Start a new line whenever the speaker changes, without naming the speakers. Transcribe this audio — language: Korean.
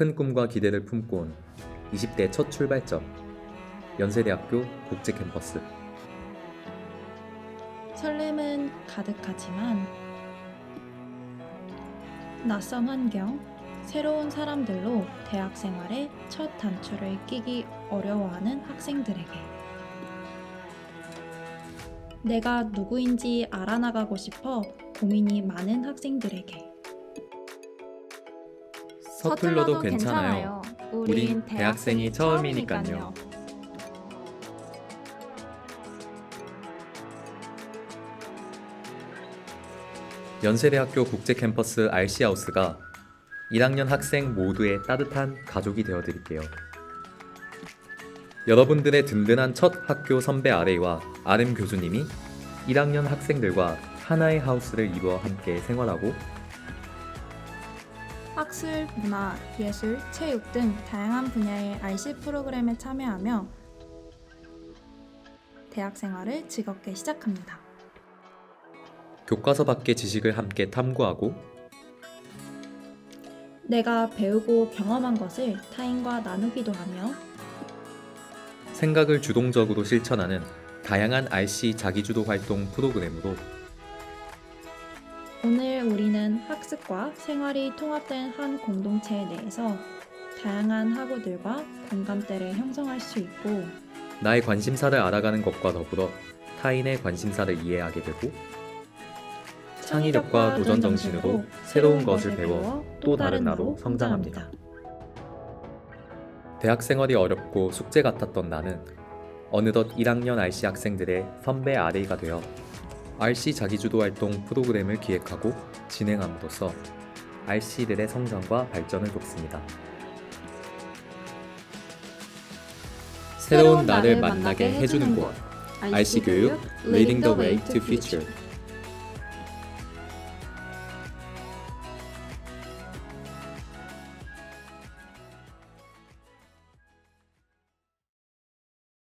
큰 꿈과 기대를 품고 온 20대 첫 출발점, 연세대학교 국제 캠퍼스.
설렘은 가득하지만 낯선 환경, 새로운 사람들로 대학 생활의 첫 단추를 끼기 어려워하는 학생들에게, 내가 누구인지 알아나가고 싶어 고민이 많은 학생들에게,
서툴러도 괜찮아요. 우린 대학생이 처음이니까요. 연세대학교 국제 캠퍼스 RC하우스가 1학년 학생 모두의 따뜻한 가족이 되어드릴게요. 여러분들의 든든한 첫 학교 선배 RA와 RM 교수님이 1학년 학생들과 하나의 하우스를 이루어 함께 생활하고
학술, 문화, 예술, 체육 등 다양한 분야의 RC 프로그램에 참여하며 대학 생활을 즐겁게 시작합니다.
교과서 밖의 지식을 함께 탐구하고
내가 배우고 경험한 것을 타인과 나누기도 하며
생각을 주동적으로 실천하는 다양한 RC 자기주도 활동 프로그램으로
오늘 우리는 학습과 생활이 통합된 한 공동체 내에서 다양한 학우들과 공감대를 형성할 수 있고
나의 관심사를 알아가는 것과 더불어 타인의 관심사를 이해하게 되고 창의력과 도전 정신으로 새로운 것을 배워 또 다른 나로 성장합니다. 대학 생활이 어렵고 숙제 같았던 나는 어느덧 1학년 RC 학생들의 선배 RA가 되어 RC 자기주도 활동 프로그램을 기획하고 진행함으로써 RC들의 성장과 발전을 돕습니다. 새로운 나를 만나게 해주는 곳 RC 교육 Leading the Way to Future.